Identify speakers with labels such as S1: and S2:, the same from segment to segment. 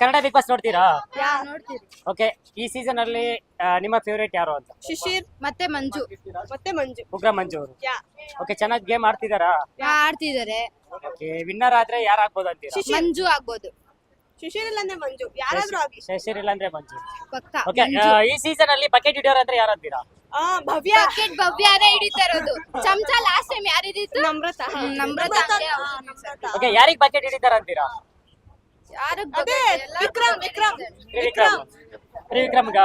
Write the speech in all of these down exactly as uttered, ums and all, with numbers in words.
S1: Kannada Bigg Boss ನೋಡ್ತೀರಾ?
S2: ಯಾ ನೋಡ್ತೀರಿ.
S1: Okay, ಈ ಸೀಸನ್ ಅಲ್ಲಿ ಆ, ನಿಮ್ಮ ಫೇವರೇಟ್ ಯಾರು ಅಂತ?
S2: ಶಿಶಿರ್ ಮತ್ತೆ ಮಂಜು ಮತ್ತೆ ಮಂಜು
S1: ಉಗ್ರ ಮಂಜು ಅವರು.
S2: ಯಾ
S1: ಓಕೆ, ಚೆನ್ನಾಗಿ ಗೇಮ್ ಆಡ್ತಿದಾರಾ?
S2: ಯಾ ಆಡ್ತಿದ್ದಾರೆ.
S1: ಓಕೆ, ವಿನ್ನರ್ ಆದ್ರೆ ಯಾರು ಆಗ್ಬೋದು ಅಂತೀರಾ?
S2: ಶಿಶಿರ್ ಮಂಜು ಆಗ್ಬೋದು. ಶಿಶಿರ್ ಇಲ್ಲಂದ್ರೆ ಮಂಜು ಯಾರಾದ್ರೂ ಆಗಿ
S1: ಶಶಿರ್ ಇಲ್ಲಾಂದ್ರೆ ಮಂಜು.
S2: ಪಕ್ಕ.
S1: ಓಕೆ, ಈ ಸೀಸನ್ ಅಲ್ಲಿ ಬಕೆಟ್ ಹಿಡಿಯೋರು ಅಂದ್ರೆ ಯಾರು ಅಂತೀರಾ?
S2: ಆ ಭವ್ಯ ಬಕೆಟ್ ಭವ್ಯನೇ ಹಿಡಿತಾ ಇರೋದು. ಚಮಚ ಲಾಸ್ಟ್ ಟೈಮ್ ಯಾರು ಹಿಡಿತು? ನಮ್ರತ. ನಮ್ರತ.
S1: ಓಕೆ, ಯಾರಿಗ್ ಬಕೆಟ್ ಹಿಡಿತಾರ ಅಂತೀರಾ?
S2: ಯಾರು ವಿಕ್ರಮ್ ವಿಕ್ರಮ್
S1: ತ್ರಿವಿಕ್ರಮ್. ತ್ರಿವಿಕ್ರಮ್ಗ.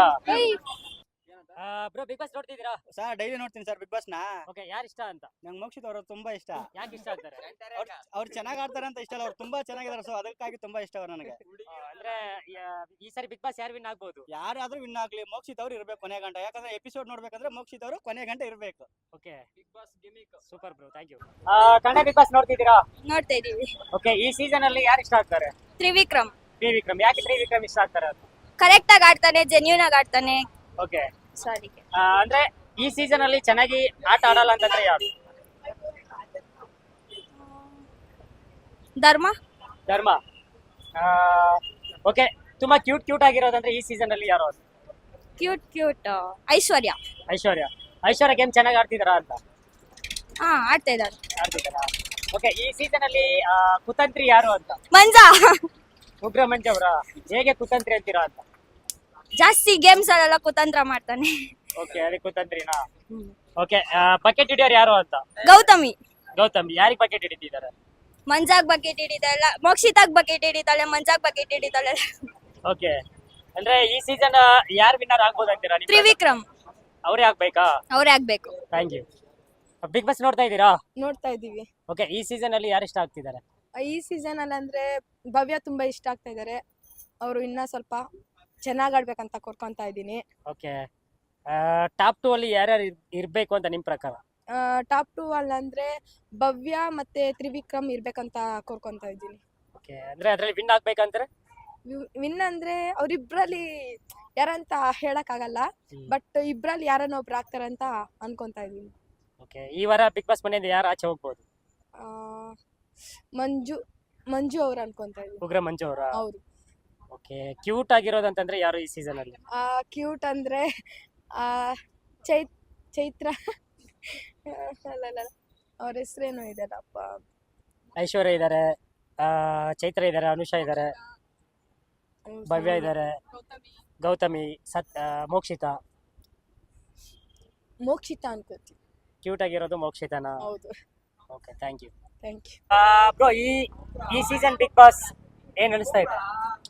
S1: ಬ್ರೋ, ಬಿಗ್ ಬಾಸ್ ನೋಡ್ತಿದ್ದೀರಾ?
S3: ಸರ್ ಡೈಲಿ ನೋಡ್ತೀನಿ ಸರ್ ಬಿಗ್ ಬಾಸ್ ನ.
S1: ಓಕೆ, ಯಾರು ಇಷ್ಟ ಅಂತ?
S3: ನಂಗೆ ಮೋಕ್ಷಿತ್ ಅವರು ತುಂಬಾ ಇಷ್ಟ.
S1: ಯಾಕೆ ಇಷ್ಟ ಆಗ್ತಾರೆ?
S3: ಅವ್ರು ಚೆನ್ನಾಗಿ ಆಡ್ತಾರೆ ಅಂತ ಇಷ್ಟ ಅಲ್ಲ, ಅವ್ರು ತುಂಬಾ ಚೆನ್ನಾಗಿದ್ದಾರೆ. ಸೊ ಅದಕ್ಕಾಗಿ ತುಂಬಾ ಇಷ್ಟ ಅವ್ರು ನನಗೆ.
S1: ಆ, ಅಂದ್ರೆ ಯಾ- ಈ ಸಾರಿ ಬಿಗ್ ಬಾಸ್ ಯಾರು ವಿನ್ ಆಗ್ಬೋದು?
S3: ಯಾರಾದ್ರೂ ವಿನ್ ಆಗ್ಲಿ, ಮೋಕ್ಷಿತ್ ಅವ್ರು ಇರ್ಬೇಕು ಕೊನೆ ಗಂಟೆ. ಯಾಕಂದ್ರೆ ಎಪಿಸೋಡ್ ನೋಡ್ಬೇಕಂದ್ರೆ ಮೋಕ್ಷಿತ್ ಅವರು ಕೊನೆ ಗಂಟೆ ಇರ್ಬೇಕು.
S1: Okay, Bigg Boss gimmick super bro, thank you. Kannada Bigg Boss ನೋಡ್ತಿದ್ದೀರಾ?
S2: ನೋಡ್ತಾ ಇದೀವಿ.
S1: ಓಕೆ, ಈ ಸೀಸನ್ ಅಲ್ಲಿ ಯಾರು ಇಷ್ಟ ಆಗ್ತಾರೆ?
S2: ತ್ರಿವಿಕ್ರಮ್
S1: ತ್ರಿವಿಕ್ರಮ್. ಯಾಕೆ ತ್ರಿವಿಕ್ರಮ್ ಇಷ್ಟ ಆಗ್ತಾರೆ ಅಂತ?
S2: ಕರೆಕ್ಟ್ ಆಗಿ ಆಡ್ತಾನೆ, ಜೆನ್ಯೂನ್ ಆಗಿ ಆಡ್ತಾನೆ.
S1: ಓಕೆ,
S2: ಸಾರಿ
S1: ಅಂದ್ರೆ ಈ ಸೀಸನ್ ಅಲ್ಲಿ ಚೆನ್ನಾಗಿ ಆಟ ಆಡಲ್ಲ ಅಂತಂದ್ರೆ ಯಾರು?
S2: ಧರ್ಮ
S1: ಧರ್ಮ. ಓಕೆ, ತುಂಬಾ ಕ್ಯೂಟ್ ಕ್ಯೂಟ್ ಆಗಿರೋದಂದ್ರೆ ಈ ಸೀಸನ್ ಅಲ್ಲಿ ಯಾರು?
S2: Cute cute Aishwarya.
S1: Aishwarya. Aishwarya game ಚೆನ್ನಾಗಿ ಆಡ್ತಿದಾರಾ ಅಂತ?
S2: ಹಾ ಆಡ್ತಾ ಇದ್ದಾರೆ.
S1: ಆಡ್ತಿದಾರಾ? ಓಕೆ, ಈ ಸೀಸನ್ ಅಲ್ಲಿ ಆ, ಕುತಂತ್ರಿ ಯಾರು ಅಂತ?
S2: ಮಂಜಾ
S1: ಉಗ್ರ ಮಂಜು ಅವರ. ಹೇಗೆ ಕುತಂತ್ರಿ ಅಂತೀರಾ ಅಂತ?
S2: ಜಾಸ್ತಿ ಗೇಮ್ಸ್ ಅಲ್ಲೆಲ್ಲ ಕುತಂತ್ರ ಮಾಡ್ತಾನೆ.
S1: ಓಕೆ, ಅದಕ್ಕೆ ಕುತಂತ್ರಿನಾ? ಓಕೆ, ಬಕೆಟ್ ಹಿಡಿಯೋರು ಯಾರು ಅಂತ?
S2: ಗೌತಮಿ.
S1: ಗೌತಮ್. ಯಾರಿಗೆ ಬಕೆಟ್ ಹಿಡಿತಿದ್ದಾರೆ?
S2: ಮಂಜಾಗ್ ಬಕೆಟ್ ಹಿಡಿತಾಳ, ಮೋಕ್ಷಿತಾಗ್ ಬಕೆಟ್ ಹಿಡಿತಾಳೆ, ಮಂಜಾಗ್ ಬಕೆಟ್ ಹಿಡಿತಾಳೆ.
S1: ಓಕೆ, ಅಂದ್ರೆ ಈ ಸೀಸನ್ ಯಾರು ವಿನ್ನರ್ ಆಗ್ಬೋದು ಅಂತೀರಾ? ನಿಮ್ಮ
S2: ತ್ರಿವಿಕ್ರಮ್
S1: ಅವರೇ ಆಗ್ಬೇಕಾ?
S2: ಅವ್ರೇ ಆಗ್ಬೇಕು.
S1: Thank you. ಬಿಗ್ ಬಾಸ್ ನೋಡ್ತಾ ಇದ್ದೀರಾ?
S4: ನೋಡ್ತಾ ಇದೀವಿ.
S1: ಓಕೆ, ಈ ಸೀಸನ್ ಅಲ್ಲಿ ಯಾರು ಇಷ್ಟ ಆಗ್ತಿದ್ದಾರೆ?
S4: ಈ ಸೀಸನ್ ಅಲ್ಲಿ ಅಂದ್ರೆ ಭವ್ಯ ತುಂಬಾ ಇಷ್ಟ ಆಗ್ತಾ ಇದ್ದಾರೆ. ಅವರು ಇನ್ನ ಸ್ವಲ್ಪ ಚೆನ್ನಾಗ್ ಆಡ್ಬೇಕಂತ ಕೋರ್ಕೊಂತಾ ಇದ್ದೀನಿ.
S1: ಓಕೆ, ಟಾಪ್ ಟೂ ಅಲ್ಲಿ ಯಾರ್ಯಾರು ಇರ್- ಇರ್ಬೇಕು ಅಂತ ನಿಮ್ ಪ್ರಕಾರ?
S4: ಟಾಪ್ ಟೂ ಅಲ್ಲಿ ಅಂದ್ರೆ ಭವ್ಯ ಮತ್ತೆ ತ್ರಿವಿಕ್ರಮ್ ಇರ್ಬೇಕಂತ ಕೋರ್ಕೊಂತಾ ಇದ್ದೀನಿ.
S1: ಓಕೆ, ಅಂದ್ರೆ ಅದ್ರಲ್ಲಿ ವಿನ್ ಆಗ್ಬೇಕಂದ್ರೆ?
S4: ವಿನ್ ಅಂದ್ರೆ ಅವ್ರಿಬ್ರಲ್ಲಿ ಯಾರಂತ ಹೇಳಕ್ ಆಗಲ್ಲ, ಬಟ್ ಇಬ್ರಲ್ಲಿ ಯಾರನ್ನ ಒಬ್ರು ಆಗ್ತಾರಂತ ಅನ್ಕೊಂತಾ ಇದೀನಿ.
S1: ಓಕೆ, ಈ ವಾರ ಬಿಗ್ ಬಾಸ್ ಮನೆಯಿಂದ ಯಾರು ಆಚೆ ಹೋಗ್ಬೋದು?
S4: ಆ, ಮಂಜು ಮಂಜು ಅವ್ರು ಅನ್ಕೊಂತಾ ಇದೀನಿ.
S1: ಉಗ್ರ ಮಂಜು ಅವರ.
S4: ಹೌದು.
S1: ಓಕೆ, ಕ್ಯೂಟ್ ಆಗಿರೋದಂತಂದ್ರೆ ಯಾರು ಈ ಸೀಸನ್ ಅಲ್ಲಿ?
S4: ಕ್ಯೂಟ್ ಅಂದ್ರೆ ಆ ಚೈತ್ ಚೈತ್ರ ಅಲ್ಲಲ್ಲ, ಅವ್ರ ಹೆಸರೇನು ಇದೆಲ್ಲಪ್ಪ.
S1: ಐಶ್ವರ್ಯ ಇದಾರೆ, ಚೈತ್ರ ಇದಾರೆ, ಅನುಷಾ ಇದಾರೆ, ಭವ್ಯ ಇದಾರೆ, ಗೌತಮಿ, ಸತ್ ಆ, ಮೋಕ್ಷಿತಾ.
S4: ಮೋಕ್ಷಿತ ಅನ್ಕೋತೀನಿ.
S1: ಕ್ಯೂಟ್ ಆಗಿರೋದು ಮೋಕ್ಷಿತಾನ?
S4: ಹೌದು.
S1: Okay, thank you.
S4: Thank you.
S1: Bro, ಈ ಈ ಸೀಸನ್ ಬಿಗ್ ಬಾಸ್ ಏನ್ ಅನಿಸ್ತಾ ಇದೆ?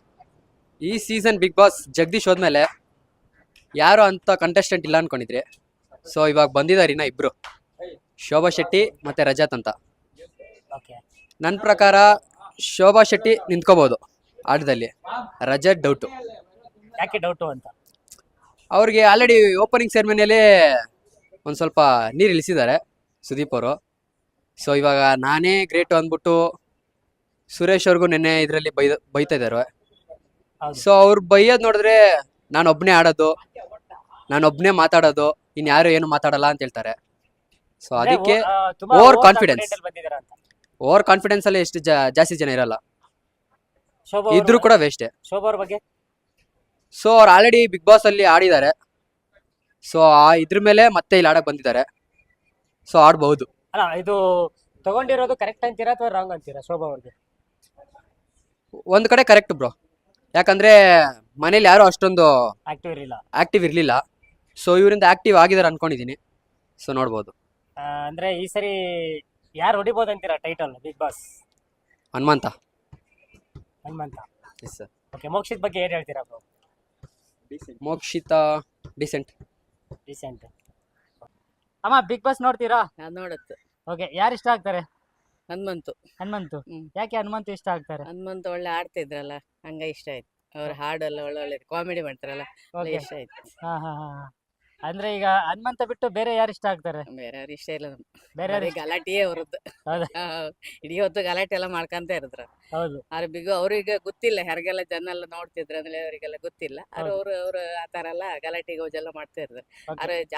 S5: ಈ ಸೀಸನ್ ಬಿಗ್ ಬಾಸ್ ಜಗದೀಶ್ ಹೋದ್ಮೇಲೆ ಯಾರು ಅಂತ ಕಂಟೆಸ್ಟೆಂಟ್ ಇಲ್ಲ ಅನ್ಕೊಂಡಿದ್ರಿ. ಸೊ ಇವಾಗ ಬಂದಿದ್ದಾರೆ ಇನ್ನ ಇಬ್ರು, ಶೋಭಾ ಶೆಟ್ಟಿ ಮತ್ತೆ ರಜತ್ ಅಂತ.
S1: ಓಕೆ,
S5: ನನ್ನ ಪ್ರಕಾರ ಶೋಭಾ ಶೆಟ್ಟಿ ನಿಂತ್ಕೋಬಹುದು ಆಟದಲ್ಲಿ, ರಜತ್ ಡೌಟು.
S1: ಯಾಕೆ ಡೌಟು ಅಂತ?
S5: ಅವ್ರಿಗೆ ಆಲ್ರೆಡಿ ಓಪನಿಂಗ್ ಸೆರೆಮನಿಯಲ್ಲಿ ಒಂದು ಸ್ವಲ್ಪ ನೀರು ಇಳಿಸಿದ್ದಾರೆ ಸುದೀಪ್ ಅವರು. ಸೊ ಇವಾಗ ನಾನೇ ಗ್ರೇಟು ಅಂದ್ಬಿಟ್ಟು ಸುರೇಶ್ ಅವ್ರಿಗೂ ನೆನ್ನೆ ಇದರಲ್ಲಿ ಬೈ ಬೈತಾ ಇದ್ದಾರೆ.
S1: ಹೌದು.
S5: ಸೊ ಅವ್ರು ಬೈಯೋದು ನೋಡಿದ್ರೆ ನಾನೊಬ್ಬನೇ ಆಡೋದು, ನಾನೊಬ್ಬನೇ ಮಾತಾಡೋದು, ಇನ್ಯಾರು ಏನು ಮಾತಾಡಲ್ಲ ಅಂತ ಹೇಳ್ತಾರೆ. ಸೊ ಅದಕ್ಕೆ
S1: ಆ, ತುಂಬಾ
S5: over
S1: over
S5: confidence.
S1: confident ಅಲ್ಲಿ ಬಂದಿದಾರ ಅಂತ.
S5: ಓವರ್ ಕಾನ್ಫಿಡೆನ್ಸ್ ಅಲ್ಲಿ ಎಷ್ಟು ಜಾ- ಜಾಸ್ತಿ ಜನ ಇರಲ್ಲ,
S1: ಶೋಭಾ
S5: ಇದ್ರು
S1: ಅವ್ರ-
S5: ಕೂಡ ವೇಸ್ಟೇ.
S1: ಶೋಭಾ ಅವ್ರ ಬಗ್ಗೆ?
S5: ಸೊ ಅವ್ರು ಆಲ್ರೆಡಿ ಬಿಗ್ ಬಾಸ್ ಅಲ್ಲಿ ಆಡಿದ್ದಾರೆ. ಸೊ ಆ ಇದ್ರ ಮೇಲೆ ಮತ್ತೆ ಇಲ್ಲಿ ಆಡಕ್ ಬಂದಿದ್ದಾರೆ. ಸೊ ಆಡ್ಬಹುದು.
S1: ಅಲ್ಲ, ಇದು ತಗೊಂಡಿರೋದು ಕರೆಕ್ಟ್ ಅಂತೀರಾ ಅಥವಾ ರಾಂಗ್ ಅಂತೀರಾ ಶೋಭಾ ಅವ್ರಿಗೆ?
S5: ಒಂದ್ ಕಡೆ ಕರೆಕ್ಟ್ ಬ್ರೋ, ಯಾಕಂದ್ರೆ ಮನೇಲಿ ಯಾರು ಅಷ್ಟೊಂದು
S1: ಆಕ್ಟಿವ್ ಇರಲಿಲ್ಲ.
S5: ಆಕ್ಟಿವ್ ಇರ್ಲಿಲ್ಲ. ಸೊ ಇವರಿಂದ ಆಕ್ಟಿವ್ ಆಗಿದ್ದಾರೆ ಅನ್ಕೊಂಡಿದೀನಿ. ಸೊ ನೋಡ್ಬೋದು.
S1: ಆ, ಅಂದ್ರೆ ಈ ಸರಿ ಯಾರು ಹೊಡಿಬೋದು ಅಂತೀರಾ title Bigg Boss?
S5: Hanumantha.
S1: Hanumantha.
S5: Yes sir.
S1: Okay, Mokshith ಬಗ್ಗೆ ಏನ್ ಹೇಳ್ತೀರಾ ಬ್ರೋ?
S5: ಮೋಕ್ಷಿತ ಡಿಸೆಂಟ್.
S1: ರೀಸೆಂಟ್. ಅಮ್ಮ, ಬಿಗ್ ಬಾಸ್ ನೋಡ್ತೀರಾ?
S6: ನಾನ್ ನೋಡತ್ತು.
S1: ಓಕೆ, ಯಾರು ಇಷ್ಟ ಆಗ್ತಾರೆ?
S6: ಹನುಮಂತು.
S1: ಹನುಮಂತು.
S6: ಹ್ಮ್.
S1: ಯಾಕೆ ಹನುಮಂತು ಇಷ್ಟ ಆಗ್ತಾರೆ?
S6: ಹನುಮಂತು ಒಳ್ಳೆ ಆಡ್ತಿದ್ರಲ್ಲ, ಹಂಗ ಇಷ್ಟ ಆಯ್ತು. ಅವ್ರ ಹಾಡೆಲ್ಲ ಒಳ್ಳೆ ಒಳ್ಳೆ ಕಾಮಿಡಿ ಮಾಡ್ತಾರಲ್ಲ, ಒಳ್ಳೆ
S1: ಓಕೆ.
S6: ಇಷ್ಟ ಆಯ್ತು.
S1: ಹಾ ಹಾ ಹಾ ಹಾ. ಅಂದ್ರೆ ಈಗ ಹನುಮಂತ ಬಿಟ್ಟು ಬೇರೆ ಯಾರು ಇಷ್ಟ ಆಗ್ತಾರೆ?
S6: ಬೇರೆ ಅವ್ರ ಇಷ್ಟ ಇಲ್ಲ ನಮ್ಗೆ.
S1: ಬೇರೆ
S6: ಬರೀ
S1: ಯಾರು?
S6: ಗಲಾಟೆಯೇ ಅವ್ರದ್ದು.
S1: ಹೌದಾ?
S6: ಆ, ಇಡೀ ಹೊತ್ತು ಗಲಾಟೆ ಎಲ್ಲ ಮಾಡ್ಕೊಂತ ಇರದ್ರ.
S1: ಹೌದು.
S6: ಆದ್ರೆ ಬಿಗು ಅವ್ರಿಗೆ ಗೊತ್ತಿಲ್ಲ, ಯಾರಿಗೆಲ್ಲ ಜನ ಎಲ್ಲ ನೋಡ್ತಿದ್ರ ಅಂದ್ರೆ ಅವರಿಗೆಲ್ಲ ಗೊತ್ತಿಲ್ಲ. ಆದ್ರೆ
S1: ಹೌದು.
S6: ಅವ್ರು ಅವ್ರು ಆತರ ಎಲ್ಲ ಗಲಾಟೆ ಗೌಜೆಲ್ಲ ಮಾಡ್ತಾ ಇರ್ತಾರೆ.
S1: Okay.
S6: ಆದ್ರೆ